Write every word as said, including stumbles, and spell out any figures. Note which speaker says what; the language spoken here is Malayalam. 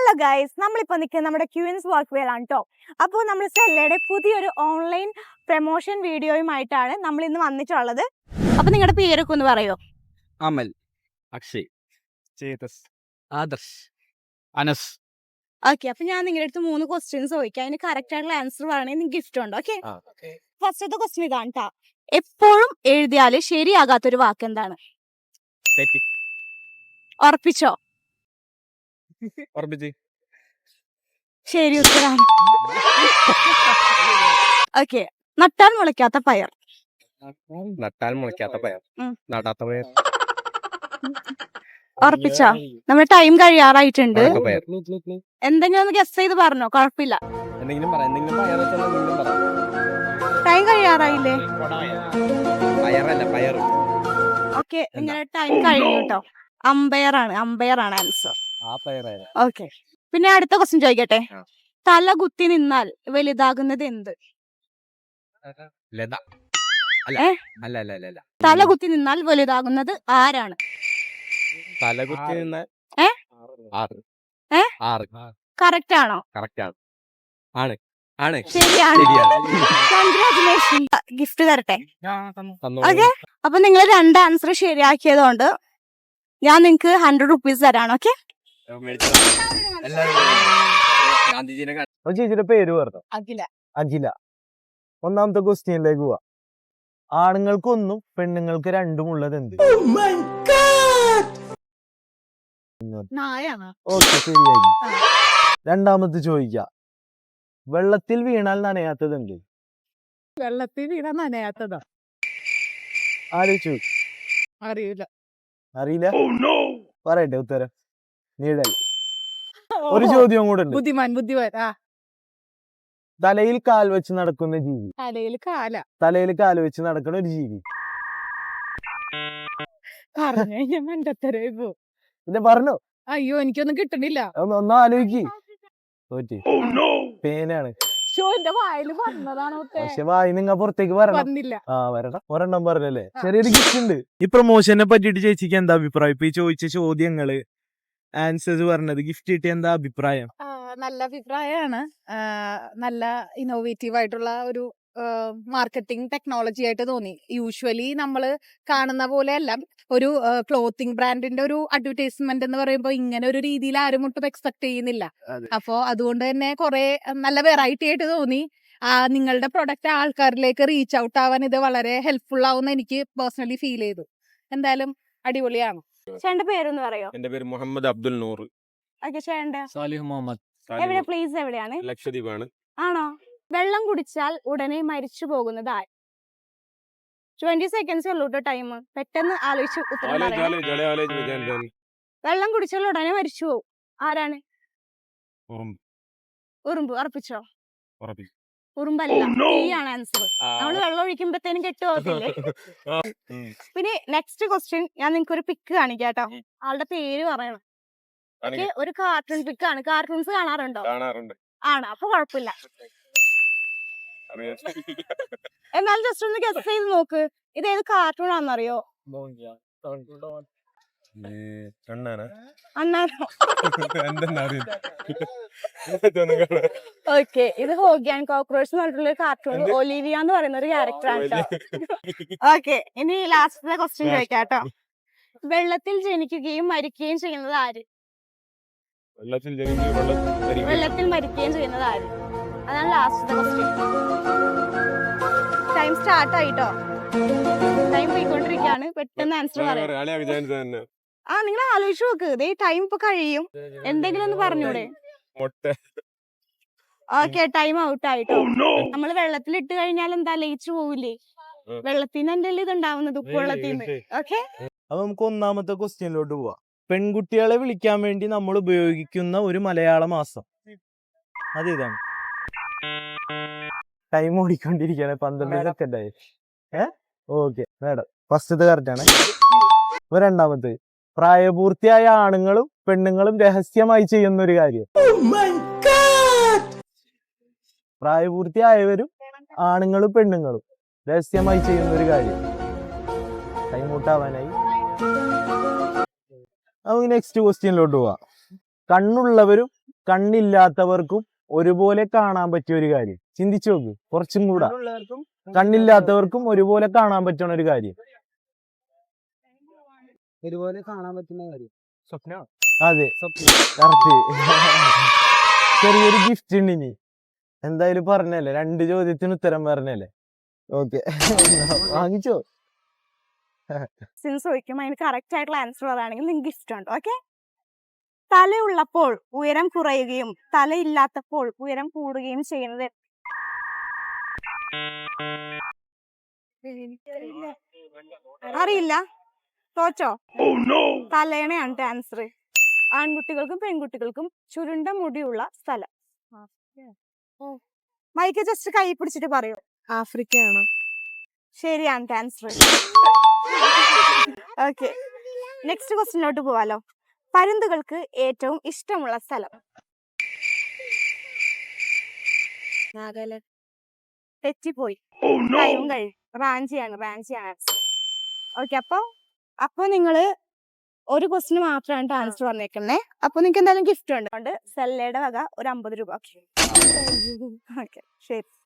Speaker 1: ഹലോ ഗൈസ്, നമ്മളിപ്പോൾ നിൽക്കുന്നത് നമ്മുടെ ക്യൂൻസ് വർക്ക് വേലാണ് കേട്ടോ. അപ്പോൾ നമ്മൾ സ്റ്റെല്ലയുടെ പുതിയൊരു ഓൺലൈൻ പ്രൊമോഷൻ വീഡിയോയുമായിട്ടാണ് നമ്മൾ ഇന്ന് വന്നിട്ടുള്ളത്. അപ്പോൾ നിങ്ങളുടെ പേരൊക്കെ ഒന്ന് പറയോ?
Speaker 2: അമൽ, അക്ഷയ്, ചേതസ്, ആദർശ്, അനസ്.
Speaker 1: ഓക്കെ, അപ്പോൾ ഞാൻ നിങ്ങളുടെ അടുത്ത് മൂന്ന് ക്വസ്റ്റ്യൻസ് ചോദിക്കാം. അതിന് കറക്റ്റ് ആയിട്ടുള്ള ആൻസർ പറയണമെങ്കിൽ നിങ്ങൾക്ക് ഗിഫ്റ്റ് ഉണ്ട്. ഓക്കെ, ഫസ്റ്റത്തെ ക്വസ്റ്റ്യൻ ഇതാണ് കേട്ടോ. എപ്പോഴും എഴുതിയാൽ ശരിയാകാത്തൊരു വാക്ക് എന്താണ്? ഉറപ്പിച്ചോ? ശരി ഉത്തരാണ്. ഓക്കെ, നട്ടാൽ മുളയ്ക്കാത്ത പയർ.
Speaker 2: നട്ടാൽ മുളയ്ക്കാത്ത പയർ, നടാത്ത പയർ.
Speaker 1: ഉറപ്പിച്ചോ? നമ്മുടെ ടൈം കഴിയാറായിട്ടുണ്ട്.
Speaker 2: പയർ.
Speaker 1: എന്തെങ്കിലും ഒന്ന് ഗസ് ചെയ്ത് പറഞ്ഞോ, കുഴപ്പമില്ല.
Speaker 2: എന്തെങ്കിലും പറ, എന്തെങ്കിലും പയർ വെച്ചാൽ എന്തെങ്കിലും പറ.
Speaker 1: ടൈം കഴിയാറായില്ലേ?
Speaker 2: പയറല്ല, പയർ.
Speaker 1: ഓക്കെ, നിങ്ങളുടെ ടൈം കഴിഞ്ഞു കേട്ടോ. അമ്പയർ ആണ്, അമ്പയർ ആണ് ആൻസർ.
Speaker 2: ആ പയറായ.
Speaker 1: ഓക്കെ, പിന്നെ അടുത്ത ക്വസ്റ്റ്യൻ ചോദിക്കട്ടെ. തല കുത്തി നിന്നാൽ വലുതാകുന്നത് എന്ത്?
Speaker 2: ലത. അല്ല അല്ല അല്ല അല്ല
Speaker 1: തല കുത്തി നിന്നാൽ വലുതാകുന്നത് ആരാണ്?
Speaker 2: തല കുത്തി നിന്നാൽ
Speaker 1: ഏ
Speaker 2: ആറ്.
Speaker 1: ഏ
Speaker 2: ആറ്
Speaker 1: കറക്റ്റ് ആണോ?
Speaker 2: കറക്റ്റ് ആണ്. ആണ് ആണ്
Speaker 1: ശരിയാണ്. കൺഗ്രാറ്റുലേഷൻ. ഗിഫ്റ്റ് തരട്ടെ. ഓക്കെ, അപ്പൊ നിങ്ങൾ രണ്ട് ആൻസർ ശരിയാക്കിയതുകൊണ്ട് ഞാൻ നിങ്ങക്ക് ഹൺഡ്രഡ് റുപ്പീസ് തരാണ്. ഓക്കെ,
Speaker 3: ചേച്ചിയുടെ പേര് പറഞ്ഞു.
Speaker 1: അഖില.
Speaker 3: അഖില. ഒന്നാമത്തെ ക്വസ്റ്റ്യനിലേക്ക് പോവാ. ആണുങ്ങൾക്ക് ഒന്നും പെണ്ണുങ്ങൾക്ക് രണ്ടും ഉള്ളത് എന്ത്? ഓക്കെ, ശരിയായി. രണ്ടാമത്തെ ചോദിക്ക. വെള്ളത്തിൽ വീണാൽ നനയാത്തത് എന്ത്?
Speaker 4: വെള്ളത്തിൽ വീണ നനയാത്തതാ.
Speaker 3: ആലോചിച്ചു.
Speaker 4: അറിയില്ല.
Speaker 3: അറിയില്ല? പറയട്ടെ ഉത്തരം. നീഴൽ. ഒരു ചോദ്യം കൂടെ ഉണ്ട്.
Speaker 4: ബുദ്ധിമാൻ ബുദ്ധിമാൻ ആ
Speaker 3: തലയിൽ കാൽ വെച്ച് നടക്കുന്ന ജീവി.
Speaker 4: തലയിൽ കാല
Speaker 3: തലയിൽ കാൽ വെച്ച് നടക്കുന്ന ഒരു ജീവി.
Speaker 4: പറഞ്ഞു കഴിഞ്ഞാൽ മണ്ടത്തരമായി പോ.
Speaker 3: പിന്നെ പറഞ്ഞോ.
Speaker 4: അയ്യോ, എനിക്കൊന്നും കിട്ടണില്ല.
Speaker 3: ഒന്ന് ഒന്ന് ആലോചിക്ക്. തോറ്റി. പേനാണ്.
Speaker 4: എന്റെ വായിൽ പറഞ്ഞതാണോ?
Speaker 3: പക്ഷെ വായി നിങ്ങ പുറത്തേക്ക് വരണം.
Speaker 4: വന്നില്ല.
Speaker 3: ആ വരണം. ഒരെണ്ണം പറഞ്ഞല്ലേ. ചെറിയൊരു ഗിഫ്റ്റ് ഉണ്ട്. ഈ പ്രൊമോഷനെ പറ്റിട്ട് ചേച്ചിക്ക് എന്താ അഭിപ്രായം? ഇപ്പൊ ഈ ചോദിച്ച ചോദ്യങ്ങള് ആൻസേഴ്സ് പറഞ്ഞത് ഗിഫ്റ്റ് കിട്ടിയ എന്താ അഭിപ്രായം?
Speaker 4: നല്ല അഭിപ്രായമാണ്. നല്ല ഇന്നോവേറ്റീവ് ആയിട്ടുള്ള ഒരു മാർക്കറ്റിംഗ് ടെക്നോളജി ആയിട്ട് തോന്നി. യൂഷ്വലി നമ്മൾ കാണുന്ന പോലെ അല്ല. ഒരു ക്ലോത്തിങ് ബ്രാൻഡിന്റെ ഒരു അഡ്വർടൈസ്മെന്റ് എന്ന് പറയുമ്പോൾ ഇങ്ങനെ ഒരു രീതിയിൽ ആരും ഒട്ടും എക്സ്പെക്ട് ചെയ്യുന്നില്ല. അപ്പോ അതുകൊണ്ട് തന്നെ കുറെ നല്ല വെറൈറ്റി ആയിട്ട് തോന്നി. ആ നിങ്ങളുടെ പ്രൊഡക്റ്റ് ആൾക്കാരിലേക്ക് റീച്ച് ഔട്ട് ആവാൻ ഇത് വളരെ ഹെൽപ്ഫുൾ ആവുമെന്ന് എനിക്ക് പേഴ്സണലി ഫീൽ ചെയ്തു. എന്തായാലും അടിപൊളിയാണ്.
Speaker 1: ചേട്ടന്റെ പേരൊന്ന് പറയോ?
Speaker 2: എന്റെ പേര് മുഹമ്മദ് അബ്ദുൽ നൂർ.
Speaker 1: ഓക്കെ, ചേട്ടന്റെ
Speaker 2: സാലിഹ് മുഹമ്മദ്.
Speaker 1: എവിടെ പ്ലേസ് എവിടെയാണ്?
Speaker 2: ലക്ഷദ്വീപാണ്.
Speaker 1: ആണോ? വെള്ളം കുടിച്ചാൽ ഉടനെ മരിച്ചു പോകുന്നത് ആര്? ട്വന്റി സെക്കൻഡ്സ് ഉള്ളൂ കേട്ടോ ടൈം. പെട്ടെന്ന് ആലോചിച്ച് ഉത്തരം പറയണം. വെള്ളം കുടിച്ചാൽ ഉടനെ മരിച്ചു പോകും. ആരാണ്? ഉറുമ്പ്. ഉറപ്പിച്ചോ? ഉറുമ്പല്ല, തീയാണ് ആൻസർ. നമ്മള് വെള്ളം ഒഴിക്കുമ്പോഴത്തേനും കെട്ടുപോകത്തില്ലേ? പിന്നെ നെക്സ്റ്റ് ക്വസ്റ്റ്യൻ ഞാൻ നിങ്ങൾക്ക് ഒരു പിക്ക് കാണിക്കാം കേട്ടോ. ആളുടെ പേര് പറയണം. ഒരു കാർട്ടൂൺ പിക്കാണ്. കാർട്ടൂൺസ് കാണാറുണ്ടോ? ആണ്, അപ്പൊ കുഴപ്പമില്ല. എന്നാലും ജസ്റ്റ് ഒന്ന് ഗസ് ചെയ്ത് നോക്ക്. ഇത് ഏത് കാർട്ടൂൺ ആണെന്നറിയോ? ഓക്കെ, ഇത് ഹോഗി ആൻഡ് കോക്രോച്ച് എന്ന് പറഞ്ഞിട്ടുള്ള ഒരു കാർട്ടൂൺ. ഒലിവിയ എന്ന് പറയുന്ന ഒരു ക്യാരക്ടറാണ്. ഓക്കെ, ഇനി ലാസ്റ്റത്തെ ക്വസ്റ്റ്യൻ ചോദിക്കാം കേട്ടോ. വെള്ളത്തിൽ ജനിക്കുകയും മരിക്കുകയും ചെയ്യുന്നത് ആര്? വെള്ളത്തിൽ മരിക്കുകയും ചെയ്യുന്നത് ആര്? അതാണ് ലാസ്റ്റത്തെ ക്വസ്റ്റ്യൻ. ടൈം സ്റ്റാർട്ട് ആയിട്ടോ. ടൈം പോയിക്കൊണ്ടിരിക്കുകയാണ്. പെട്ടെന്ന് ആൻസർ പറയാം. ആ നിങ്ങൾ ആലോചിച്ച് നോക്ക്. ഇതേ ടൈം ഇപ്പൊ കഴിയും. എന്തെങ്കിലും ഒന്ന് പറഞ്ഞൂടെ? ഓക്കെ, ടൈം ഔട്ട് ആയിട്ടോ. നമ്മള് വെള്ളത്തിൽ ഇട്ട് കഴിഞ്ഞാൽ എന്താ ലയിച്ചു പോവില്ലേ? വെള്ളത്തിന് എന്തെങ്കിലും ഇത് ഉണ്ടാവുന്നത്, ഉപ്പുവെള്ളത്തിന്. ഓക്കെ,
Speaker 3: അപ്പൊ നമുക്ക് ഒന്നാമത്തെ ക്വസ്റ്റ്യനിലോട്ട് പോവാം. പെൺകുട്ടികളെ വിളിക്കാൻ വേണ്ടി നമ്മൾ ഉപയോഗിക്കുന്ന ഒരു മലയാള മാസം അത് ഇതാണ്. ടൈം ഓടിക്കൊണ്ടിരിക്കുകയാണ്. പന്ത്രണ്ട് സെക്കൻഡ് ആയി. ഏഹ് ഓക്കെ, മേഡം ഫസ്റ്റത്തെ കറക്റ്റ് ആണ്. അപ്പൊ രണ്ടാമത്തെ, പ്രായപൂർത്തിയായ ആണുങ്ങളും പെണ്ണുങ്ങളും രഹസ്യമായി ചെയ്യുന്ന ഒരു കാര്യം. പ്രായപൂർത്തിയായവരും ആണുങ്ങളും പെണ്ണുങ്ങളും രഹസ്യമായി ചെയ്യുന്ന ഒരു കാര്യം. ടൈം ഔട്ട് ആവാനായി. നമുക്ക് നെക്സ്റ്റ് ക്വസ്റ്റ്യനിലോട്ട് പോവാം. കണ്ണുള്ളവരും കണ്ണില്ലാത്തവർക്കും ഒരുപോലെ കാണാൻ പറ്റിയ ഒരു കാര്യം. ചിന്തിച്ചു നോക്ക് കുറച്ചും കൂടെ. കണ്ണില്ലാത്തവർക്കും ഒരുപോലെ കാണാൻ പറ്റുന്ന ഒരു കാര്യം.
Speaker 5: ഒരുപോലെ കാണാൻ പറ്റുന്ന കാര്യം.
Speaker 2: സ്വപ്ന.
Speaker 3: അതെ, കറക്റ്റ്. ചെറിയൊരു ഗിഫ്റ്റ് ഉണ്ട് ഇനി. എന്തായാലും പറഞ്ഞല്ലേ, രണ്ട് ചോദ്യത്തിന് ഉത്തരം പറഞ്ഞല്ലേ. ഓക്കെ, വാങ്ങിച്ചോ.
Speaker 1: സിൻസ് ചോദിക്കും അതിന് കറക്റ്റ് ആയിട്ടുള്ള ആൻസർ പറയുകയാണെങ്കിൽ നിങ്ങൾക്ക് ഗിഫ്റ്റ് ഉണ്ട്. ഓക്കെ. തലയുള്ളപ്പോൾ ഉയരം കുറയുകയും തലയില്ലാത്തപ്പോൾ ഉയരം കൂടുകയും ചെയ്യുന്നത് അറിയില്ല? തോച്ചോ? തലേണയാണ് ആൻസർ. ആൺകുട്ടികൾക്കും പെൺകുട്ടികൾക്കും ചുരുണ്ട മുടിയുള്ള സ്ഥലം. മൈക്ക് ജസ്റ്റ് കൈ പിടിച്ചിട്ട് പറയൂ.
Speaker 4: ആഫ്രിക്കയാണ്.
Speaker 1: ശരിയാണ് ആൻസർ. ഓക്കെ, നെക്സ്റ്റ് ക്വസ്റ്റിനോട്ട് പോവാലോ. പരുന്തുകൾക്ക് ഏറ്റവും ഇഷ്ടമുള്ള സ്ഥലം? തെറ്റിപ്പോയി. ടൈം കഴിയും. റാഞ്ചിയാണ്, റാഞ്ചിയാണ് ആൻസർ. ഓക്കെ, അപ്പൊ അപ്പൊ നിങ്ങള് ഒരു ക്വസ്റ്റിന് മാത്രമാണ് ആൻസർ വന്നേക്കുന്നേ. അപ്പൊ നിങ്ങൾക്ക് എന്തായാലും ഗിഫ്റ്റ് ഉണ്ട്. അതുകൊണ്ട് സെല്ലയുടെ വക ഒരു അമ്പത് രൂപ. ഓക്കെ, ശരി.